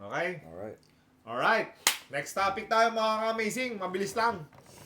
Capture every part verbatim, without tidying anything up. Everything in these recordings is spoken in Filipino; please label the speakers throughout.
Speaker 1: Okay?
Speaker 2: Alright.
Speaker 1: Alright. Next topic tayo mga ka-amazing. Mabilis lang.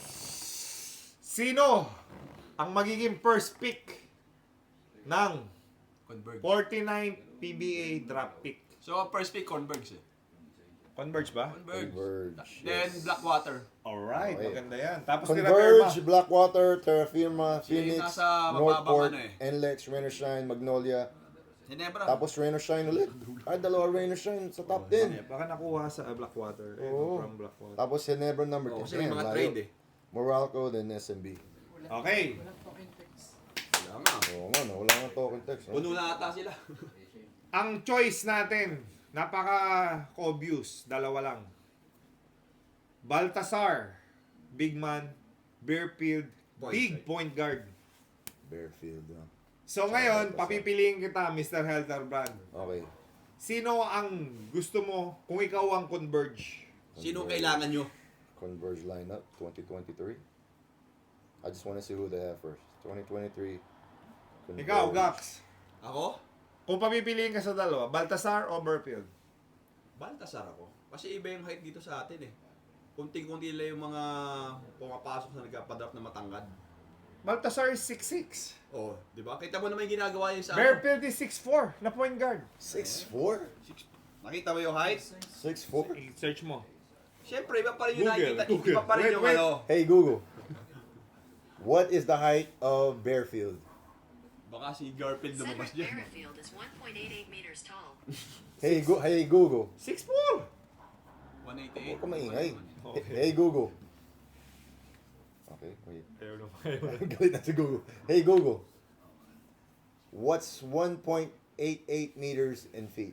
Speaker 1: Sino ang magiging first pick ng
Speaker 3: Converge.
Speaker 1: forty-ninth P B A draft pick?
Speaker 3: So, ang first pick, Converge eh.
Speaker 1: Converge ba?
Speaker 3: Converge.
Speaker 2: Converge,
Speaker 3: Then,
Speaker 2: yes.
Speaker 3: Blackwater.
Speaker 1: Alright,
Speaker 2: Okay.
Speaker 1: maganda yan. Tapos Terra
Speaker 2: Converge,
Speaker 1: Firma.
Speaker 2: Blackwater, Terra Firma,
Speaker 3: Sila yung
Speaker 2: Phoenix,
Speaker 3: nasa mababang
Speaker 2: Northport,
Speaker 3: ano eh.
Speaker 2: N L E X, Rain or Shine, Magnolia.
Speaker 3: Ginebra.
Speaker 2: Tapos Rain or Shine ulit. Ay, dalawa Rain or Shine sa top ten.
Speaker 1: Eh, baka nakuha sa uh, Blackwater. Eh,
Speaker 2: Oo.
Speaker 1: from Blackwater.
Speaker 2: Tapos Ginebra number
Speaker 3: Oh,
Speaker 2: ten.
Speaker 3: kasi may mga
Speaker 2: Layo.
Speaker 3: trade eh.
Speaker 2: Morocco, then S M B.
Speaker 1: Okay.
Speaker 3: Wala nga.
Speaker 2: Oo nga, no, wala nga token text. No?
Speaker 3: Puno na ata sila.
Speaker 1: Ang choice natin, napaka-obvious. Dalawa lang. Baltasar, big man. Bearfield,
Speaker 3: Point
Speaker 1: big
Speaker 3: guard.
Speaker 1: point guard.
Speaker 2: Bearfield. No?
Speaker 1: So ngayon, papipiliin kita, Mister Helterbrand.
Speaker 2: Okay.
Speaker 1: Sino ang gusto mo kung ikaw ang Converge?
Speaker 3: Sino
Speaker 2: Converge.
Speaker 3: kailangan nyo?
Speaker 2: Converge lineup, twenty twenty-three. I just want to see who they have first. twenty twenty-three. Converge.
Speaker 1: Ikaw, Gax.
Speaker 3: Ako?
Speaker 1: Kung papipiliin ka sa dalawa, Baltasar o Bearfield?
Speaker 3: Baltasar ako. Kasi iba yung height dito sa atin eh. Kunting-kunti lang yung mga pumapasok na nagpapadraft na matangkad.
Speaker 1: Baltasar is six six.
Speaker 3: Oh, di ba? Kita mo naman yung ginagawa yung sa ano.
Speaker 1: Bearfield is six four na point guard.
Speaker 2: six four?
Speaker 3: Six- Nakita mo yung height?
Speaker 2: six four?
Speaker 1: Search mo.
Speaker 3: Siyempre, iba pa rin yung
Speaker 1: Google,
Speaker 3: nakikita.
Speaker 1: Google.
Speaker 3: Iba pa rin
Speaker 1: Wait,
Speaker 3: yung
Speaker 1: wait.
Speaker 3: ano.
Speaker 2: Hey Google. What is the height of Bearfield?
Speaker 3: Baka si Garfield lumabas
Speaker 4: Cedric
Speaker 3: dyan.
Speaker 4: Merrifield is one point eight eight meters tall.
Speaker 2: Hey, go hey Google.
Speaker 1: six four.
Speaker 3: one eighty-eight.
Speaker 2: Huwag ka maingay.
Speaker 1: Okay.
Speaker 2: Hey Google. Okay, wait.
Speaker 1: Ayaw na, ayaw na.
Speaker 2: Galit na si Google. Hey Google. What's one point eight eight meters in feet?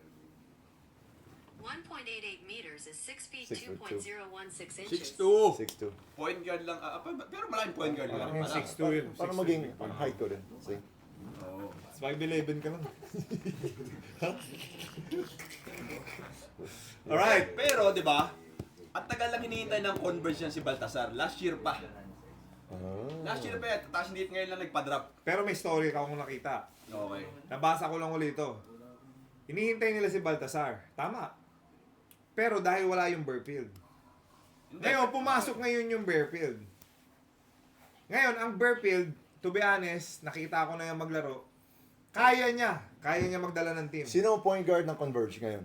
Speaker 4: one point eight eight meters is six feet
Speaker 2: Six
Speaker 4: two
Speaker 2: foot
Speaker 4: point
Speaker 2: two.
Speaker 4: zero one six
Speaker 3: six
Speaker 4: inches.
Speaker 3: two.
Speaker 2: six two.
Speaker 3: Point guard lang. Ah, pa- pero maraming point guard lang.
Speaker 1: Parang
Speaker 3: pala.
Speaker 1: six two yun.
Speaker 2: Para
Speaker 1: six two.
Speaker 2: maging ang height ko din. See?
Speaker 3: Oo.
Speaker 1: five eleven ka lang. Alright.
Speaker 3: Pero, di ba? At tagal lang hinihintay ng Converge yan si Baltasar. Last year pa.
Speaker 2: Ah.
Speaker 3: Last year pa yan. Tapos hindi ngayon lang nagpa-drop.
Speaker 1: Pero may story ka akong nakita.
Speaker 3: Okay.
Speaker 1: Nabasa ko lang ulit ito. Hinihintay nila si Baltasar. Tama. Pero dahil wala yung Bearfield.
Speaker 3: Hindi.
Speaker 1: Ngayon, pumasok ngayon yung Bearfield. Ngayon, ang Bearfield, to be honest, nakita ko na yung maglaro. Kaya niya. Kaya niya magdala ng team.
Speaker 2: Sino ang point guard ng Converge ngayon?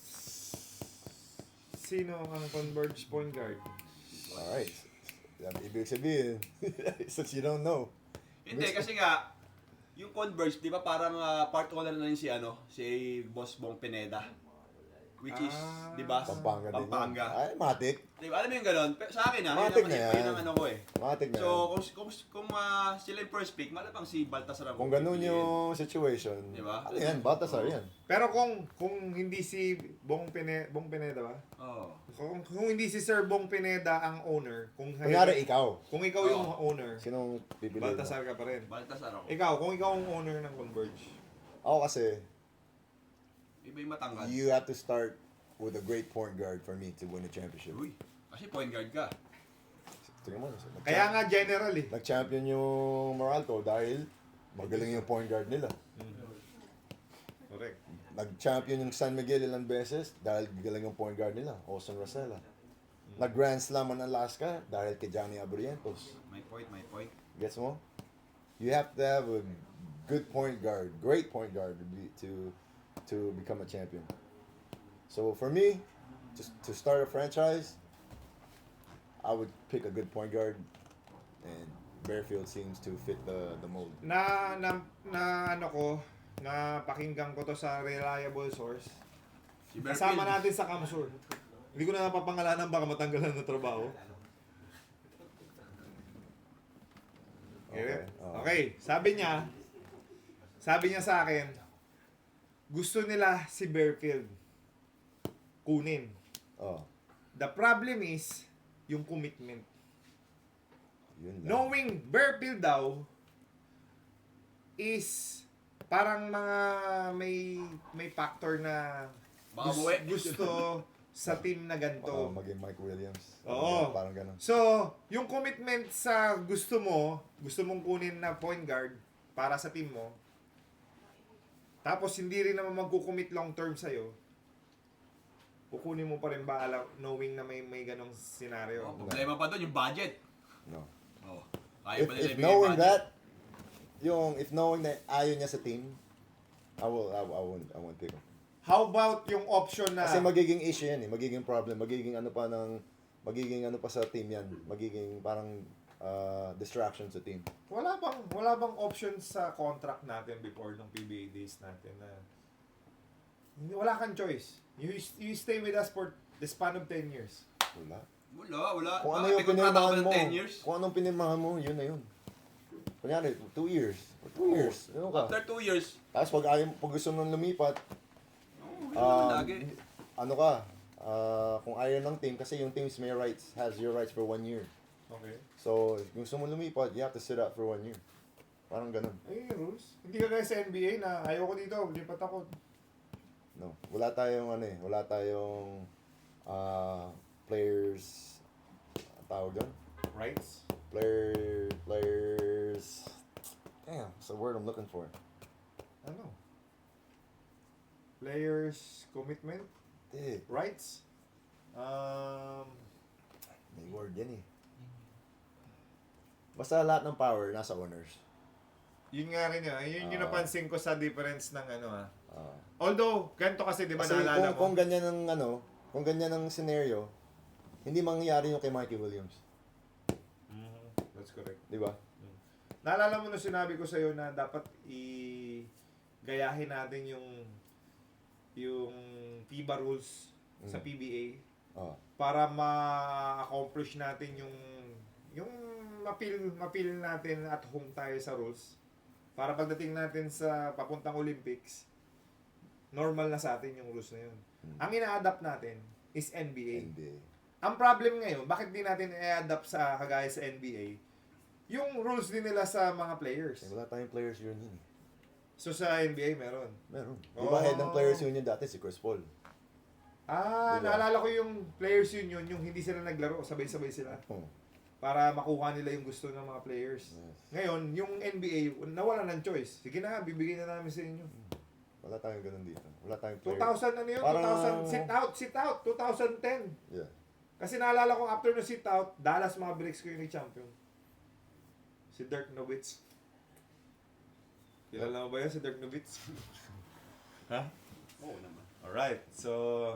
Speaker 1: Sino ang Converge point guard?
Speaker 2: Alright. Yan, ibig sabihin, since you don't know.
Speaker 3: Hindi, kasi nga, yung Converge, di ba parang ah, part owner na rin si ano, si Boss Bong Pineda. Which is,
Speaker 1: Ah.
Speaker 3: di ba?
Speaker 2: Pampanga din.
Speaker 3: Pampanga.
Speaker 2: Yan. Ay, matik.
Speaker 3: Di ba? Alam mo yung gano'n? Pero sa akin ah, yun
Speaker 2: Matik
Speaker 3: ang,
Speaker 2: na
Speaker 3: yun
Speaker 2: yan.
Speaker 3: ang ano ko eh.
Speaker 2: Matik na
Speaker 3: So,
Speaker 2: yan.
Speaker 3: kung, kung, kung ah, sila yung first pick, malamang si Baltasar ang
Speaker 2: Kung ganun
Speaker 3: pipiliin.
Speaker 2: yung situation,
Speaker 3: Diba?
Speaker 2: ano yan, Baltasar yan.
Speaker 1: Pero kung kung hindi si Bong Pineda, Bong Pineda ba?
Speaker 3: Oo.
Speaker 1: Kung, kung hindi si Sir Bong Pineda ang owner, kung
Speaker 2: Kunyari, ikaw.
Speaker 1: kung ikaw yung owner,
Speaker 2: Sinong pipiliin mo?
Speaker 1: Baltasar ka pa rin.
Speaker 3: Baltasar ako.
Speaker 1: Ikaw, kung ikaw ang owner ng Converge.
Speaker 2: Ako kasi,
Speaker 3: Iba yung matangkad.
Speaker 2: you have to start with a great point guard for me to win a championship.
Speaker 3: Uy, kasi point guard ka.
Speaker 2: Tingnan mo, nag-
Speaker 1: Kaya nga general eh.
Speaker 2: nag-champion yung Moralco dahil magaling yung point guard nila.
Speaker 1: Correct.
Speaker 2: Nag-champion yung San Miguel ilang beses dahil galing yung point guard nila, Austin Rosella. Nag-Grand Slam ang Alaska dahil kay Johnny Abrientos.
Speaker 3: My point, my point.
Speaker 2: Gets mo? You have to have a good point guard, great point guard to be, to to become a champion. So for me, just to start a franchise, I would pick a good point guard, and Bearfield seems to fit the the mold.
Speaker 1: Na, na, na ano ko, na pakinggan ko to sa reliable source.
Speaker 3: Si
Speaker 1: Kasama
Speaker 3: Berfield.
Speaker 1: natin sa Kamsur. Hindi ko na napapangalanan baka matanggalan ng trabaho. Okay.
Speaker 2: Oh.
Speaker 1: Okay, sabi niya, sabi niya sa akin, gusto nila si Bearfield kunin.
Speaker 2: Oh,
Speaker 1: The problem is, yung commitment.
Speaker 2: yun lang.
Speaker 1: Knowing Bearfield daw is parang mga may may factor na
Speaker 3: Baka
Speaker 1: gus-
Speaker 3: buwi.
Speaker 1: gusto sa team na
Speaker 2: Baka
Speaker 1: ganito.
Speaker 2: maging Mike Williams.
Speaker 1: Oo.
Speaker 2: Parang ganun.
Speaker 1: So, yung commitment sa gusto mo, gusto mong kunin na point guard para sa team mo, tapos hindi rin naman magkukommit long term sa'yo, kukunin mo pa rin ba alam, knowing na may may ganong scenario?
Speaker 3: Oh, problema pa doon yung budget.
Speaker 2: No.
Speaker 3: Oh. Kaya
Speaker 2: If,
Speaker 3: ba nila
Speaker 2: if
Speaker 3: ibigay
Speaker 2: knowing
Speaker 3: budget?
Speaker 2: that, yung, if knowing na ayaw niya sa team, I will, I, I won't, I won't pick him.
Speaker 1: How about yung option na
Speaker 2: Kasi magiging issue yan eh, magiging problem, magiging ano pa ng, magiging ano pa sa team yan, magiging parang uh, distraction sa team.
Speaker 1: wala bang wala bang option sa contract natin before ng P B A days natin na hindi wala kang choice. You you stay with us for the span of ten years.
Speaker 2: Wala.
Speaker 3: Wala, wala.
Speaker 2: Kung ano
Speaker 3: Bakit
Speaker 2: yung
Speaker 3: may kontrata ka ba
Speaker 2: pinirmahan
Speaker 3: ng
Speaker 2: mo,
Speaker 3: ten years?
Speaker 2: kung anong pinirmahan mo, yun na yun. Kunyari, two years, or two years, ano ka?
Speaker 3: After two years,
Speaker 2: Tapos pag ayaw, pag gusto mong lumipat,
Speaker 3: oh, yun
Speaker 2: um,
Speaker 3: naman lagi.
Speaker 2: ano ka, ah, kung ayaw ng team, kasi yung teams may rights, has your rights for one year.
Speaker 1: Okay.
Speaker 2: So, kung gusto mong lumipat, you have to sit out for one year. Parang ganun.
Speaker 1: Ay, rules. Hindi ka guys sa N B A na ayoko dito, lipat ako.
Speaker 2: No. Wala tayong ano eh, wala tayong ah, players, ang tawag doon?
Speaker 1: Rights?
Speaker 2: Player, players, damn, it's the word I'm looking for.
Speaker 1: Ano? Players commitment?
Speaker 2: Eh,
Speaker 1: Rights? Um,
Speaker 2: may word yan eh. Basta lahat ng power nasa owners.
Speaker 1: yun nga rin yun. Yun yung
Speaker 2: Ah.
Speaker 1: napansin ko sa difference ng ano ah.
Speaker 2: Ah.
Speaker 1: Although, ganito kasi di ba
Speaker 2: Kasi
Speaker 1: naalala
Speaker 2: kung,
Speaker 1: mo?
Speaker 2: kung ganyan ang ano, kung ganyan ang scenario, hindi mangyayari yung kay Mikey Williams.
Speaker 1: Mhm, that's correct.
Speaker 2: Di ba?
Speaker 1: Naalala mo na sinabi ko sa'yo na dapat i gayahin natin yung yung FIBA rules sa
Speaker 2: Mm.
Speaker 1: P B A
Speaker 2: Ah.
Speaker 1: para ma-accomplish natin yung yung mapil mapil natin at home tayo sa rules para pagdating natin sa papuntang Olympics normal na sa atin yung rules na yun.
Speaker 2: Mm.
Speaker 1: Ang ina-adapt natin is N B A.
Speaker 2: N B A.
Speaker 1: Ang problem ngayon, bakit di natin i-adapt sa kagaya sa N B A? Yung rules din nila sa mga players.
Speaker 2: Eh, wala tayong players union eh.
Speaker 1: So sa N B A meron.
Speaker 2: Meron. Di ba
Speaker 1: Oh.
Speaker 2: head ng players union dati si Chris Paul?
Speaker 1: Ah,
Speaker 2: Diba?
Speaker 1: naalala ko yung players union, yung hindi sila naglaro, sabay-sabay sila.
Speaker 2: Oh.
Speaker 1: Para makuha nila yung gusto ng mga players.
Speaker 2: Yes.
Speaker 1: Ngayon, yung N B A, nawala ng choice. Sige na, bibigyan na namin sa inyo.
Speaker 2: Wala tayong ganun dito. Wala tayong
Speaker 1: two
Speaker 2: player.
Speaker 1: thousand ano yun?
Speaker 2: Parang-
Speaker 1: two thousand, sit out, sit out, twenty ten.
Speaker 2: Yeah.
Speaker 1: Kasi naalala ko after no sit out, Dallas Mavericks ko yung champion. Si Dirk Nowitzki. Kilala mo ba yun si Dirk Nowitzki? ha?
Speaker 3: Oo naman.
Speaker 1: Alright, so...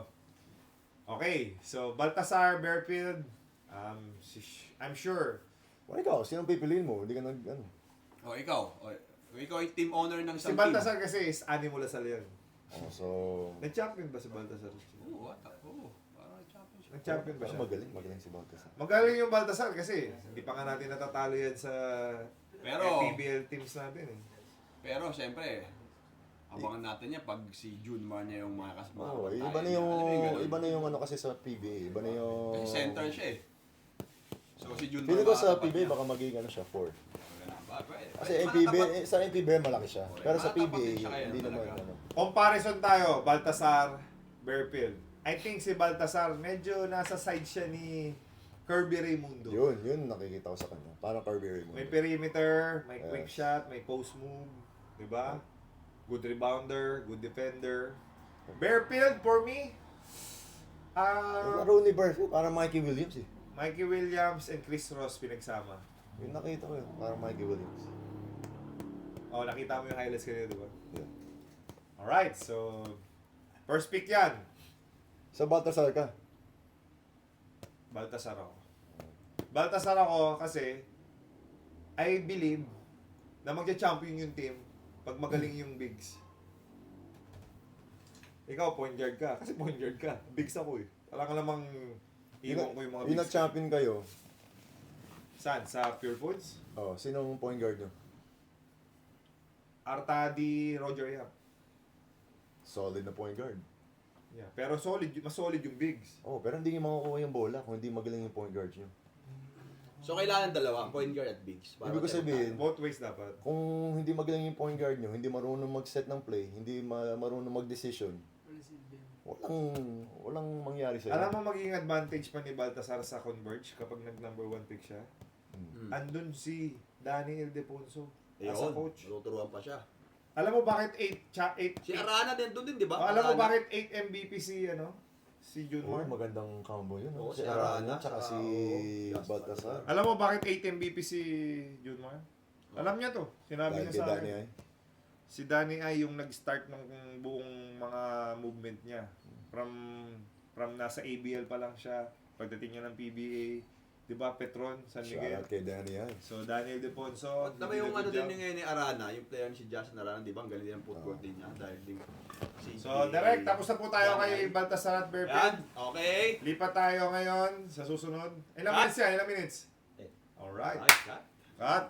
Speaker 1: Okay, so Baltasar, Bearfield, um, si- I'm sure.
Speaker 2: Wala ikaw, sinong pipiliin mo? Hindi ka nag, ano.
Speaker 3: Oh, ikaw. Oh, ikaw yung team owner ng
Speaker 1: Si
Speaker 3: isang
Speaker 1: Baltasar kasi is Animal Lasal yan.
Speaker 2: Oh, so,
Speaker 1: Nag-champion ba si Baltasar?
Speaker 3: team. Oo, what? Oo. Parang championship.
Speaker 1: Nag-champion ba
Speaker 2: pero
Speaker 1: siya?
Speaker 2: magaling, magaling si Baltasar.
Speaker 1: Magaling yung Baltasar kasi hindi pa nga natin natatalo yan sa
Speaker 3: Pero-
Speaker 1: P B L teams natin eh.
Speaker 3: Pero, siyempre, abangan natin niya pag si June Mar niya yung mga kasama.
Speaker 2: Oh, iba na yung, iba na yung ano kasi sa P B A. Iba na yung...
Speaker 3: Kasi center siya eh. So, si June
Speaker 2: Feeling ko
Speaker 3: Mar
Speaker 2: sa
Speaker 3: makakatapat
Speaker 2: P B A
Speaker 3: niya.
Speaker 2: baka maging ano siya, four.
Speaker 3: Ba, pwede.
Speaker 2: Kasi
Speaker 3: Pwede,
Speaker 2: N P B A,
Speaker 3: makatapat.
Speaker 2: eh, sa N P B A malaki siya. Pero sa P B A,
Speaker 3: Makatapat din siya kaya
Speaker 2: hindi naman
Speaker 3: talaga.
Speaker 2: ano.
Speaker 1: Comparison tayo, Baltasar, Bearfield. I think si Baltasar, medyo nasa side siya ni Kirby Raimundo.
Speaker 2: Yun, yun nakikita ko sa kanya. Parang Kirby Raymond.
Speaker 1: May perimeter, may quick
Speaker 2: Yes.
Speaker 1: shot, may post move, di ba? Good rebounder, good defender. Bearfield, for me,
Speaker 2: Yung
Speaker 1: ah
Speaker 2: laro ni Burfield, parang Mikey Williams eh.
Speaker 1: Mikey Williams and Chris Ross pinagsama.
Speaker 2: Yung nakita ko yun, parang Mikey Williams.
Speaker 1: Oh, nakita mo yung highlights kanina, di ba?
Speaker 2: Yeah.
Speaker 1: Alright, so first pick yan.
Speaker 2: Sa Baltasar ka?
Speaker 1: Baltasar ako. Baltasar ako kasi I believe na magja-champion yung team pag magaling yung bigs. Ikaw, point guard ka. Kasi point guard ka. Bigs ako eh. Wala ka namang iwan ko yung mga
Speaker 2: Yung
Speaker 1: bigs.
Speaker 2: nag-champion kayo,
Speaker 1: Saan? Sa Pure Foods?
Speaker 2: oh, sinong point guard nyo?
Speaker 1: Artadi, Roger Yap.
Speaker 2: Solid na point guard.
Speaker 1: Yeah. Pero solid, mas solid yung bigs.
Speaker 2: Oh, pero hindi nyo makukuha yung bola kung hindi magaling yung point guard nyo.
Speaker 3: So, kailangan dalawa, point guard at bigs. Para
Speaker 2: Ibig ko
Speaker 3: matira
Speaker 2: sabihin,
Speaker 1: Both ways dapat.
Speaker 2: kung hindi magaling yung point guard nyo, hindi marunong mag-set ng play, hindi ma- marunong mag-decision, walang, walang mangyari sa'yo.
Speaker 1: Alam mo magiging advantage pa ni Baltasar sa Converge kapag nag-number one pick siya?
Speaker 3: Hmm.
Speaker 1: Andun si Danny Ildefonso as a
Speaker 3: Ayun,
Speaker 1: coach.
Speaker 3: tuturuan pa siya.
Speaker 1: Alam mo bakit eight cha eight
Speaker 3: Si Arana din doon din, di ba?
Speaker 1: alam mo
Speaker 3: Arana.
Speaker 1: bakit eight M V P si ano? si
Speaker 2: Oh,
Speaker 1: Junmar.
Speaker 2: magandang combo yun.
Speaker 3: Oo,
Speaker 2: no?
Speaker 3: si
Speaker 2: Si Arana,
Speaker 3: Arana,
Speaker 2: tsaka
Speaker 3: tsaka,
Speaker 2: si
Speaker 3: oo,
Speaker 2: Baltasar.
Speaker 1: Alam mo bakit eight M V P si Junmar? Alam niya to. Sinabi
Speaker 2: Dahil
Speaker 1: niya
Speaker 2: kay
Speaker 1: sa
Speaker 2: Danny
Speaker 1: akin.
Speaker 2: ay.
Speaker 1: Si Danny ay yung nag-start ng buong mga movement niya. From from nasa A B L pa lang siya. Pagdating niya ng P B A, 'di ba, Petron, San Miguel.
Speaker 2: Shoutout kay Danny ay.
Speaker 1: So Daniel Deponso.
Speaker 3: At naman yung ano din yung ngayon ni Arana, yung player ni si Justin Arana, di ba? Ang galing din ang footwork din niya dahil din si
Speaker 1: So direct, tapos na po tayo kay Baltasar at
Speaker 3: Yan,
Speaker 1: Berpin.
Speaker 3: okay.
Speaker 1: Lipat tayo ngayon sa susunod. Ilang
Speaker 3: Cut.
Speaker 1: minutes yan? Ilang minutes?
Speaker 3: Eh.
Speaker 1: Alright.
Speaker 3: Nice, cut.
Speaker 1: Cut.